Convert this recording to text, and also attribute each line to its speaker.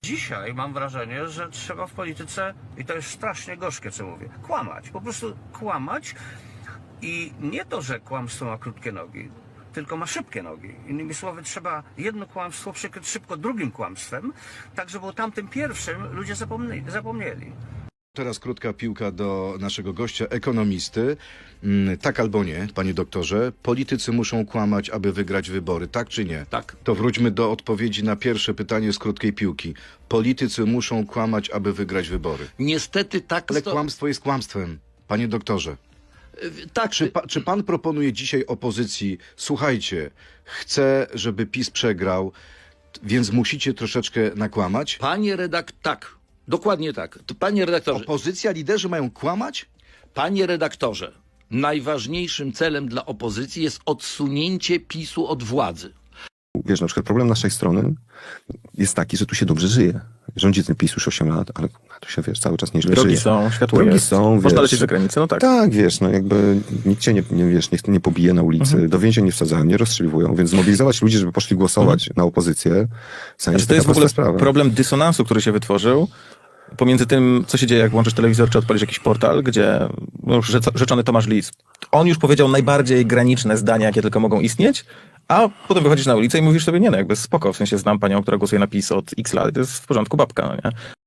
Speaker 1: Dzisiaj mam wrażenie, że trzeba w polityce, i to jest strasznie gorzkie, co mówię, kłamać. Po prostu kłamać i nie to, że kłamstwo ma krótkie nogi, tylko ma szybkie nogi. Innymi słowy, trzeba jedno kłamstwo przykryć szybko drugim kłamstwem, tak żeby o tamtym pierwszym ludzie zapomnieli.
Speaker 2: Teraz krótka piłka do naszego gościa, ekonomisty. Tak albo nie, panie doktorze, politycy muszą kłamać, aby wygrać wybory, tak czy nie?
Speaker 3: Tak.
Speaker 2: To wróćmy do odpowiedzi na pierwsze pytanie z krótkiej piłki. Politycy muszą kłamać, aby wygrać wybory.
Speaker 3: Niestety tak.
Speaker 2: Ale kłamstwo jest kłamstwem, panie doktorze.
Speaker 3: Tak,
Speaker 2: Czy pan proponuje dzisiaj opozycji, słuchajcie, chcę, żeby PiS przegrał, więc musicie troszeczkę nakłamać?
Speaker 3: tak, dokładnie tak. Panie redaktorze,
Speaker 2: Opozycja, liderzy mają kłamać?
Speaker 3: panie redaktorze, najważniejszym celem dla opozycji jest odsunięcie PiS-u od władzy.
Speaker 4: Wiesz, na przykład problem naszej strony jest taki, że tu się dobrze żyje. Rządzi ten PiS już 8 lat, ale tu się, wiesz, cały czas nieźle
Speaker 5: Drogi
Speaker 4: żyje.
Speaker 5: są, światło
Speaker 4: Drogi
Speaker 5: jest.
Speaker 4: są,
Speaker 5: Można
Speaker 4: wiesz.
Speaker 5: lecieć za granicę, no tak.
Speaker 4: Tak, wiesz, no jakby nikt cię nie pobije na ulicy, do więzień nie wsadzają, nie rozstrzeliwują, więc zmobilizować ludzi, żeby poszli głosować na opozycję,
Speaker 5: Znaczy, to jest w ogóle problem dysonansu, który się wytworzył pomiędzy tym, co się dzieje, jak włączysz telewizor, czy odpalisz jakiś portal, gdzie no już rzeczony Tomasz Lis, on już powiedział najbardziej graniczne zdania, jakie tylko mogą istnieć, a potem wychodzisz na ulicę i mówisz sobie, nie no, jakby spoko, w sensie znam panią, która głosuje na PiS od X lat, to jest w porządku babka, no nie?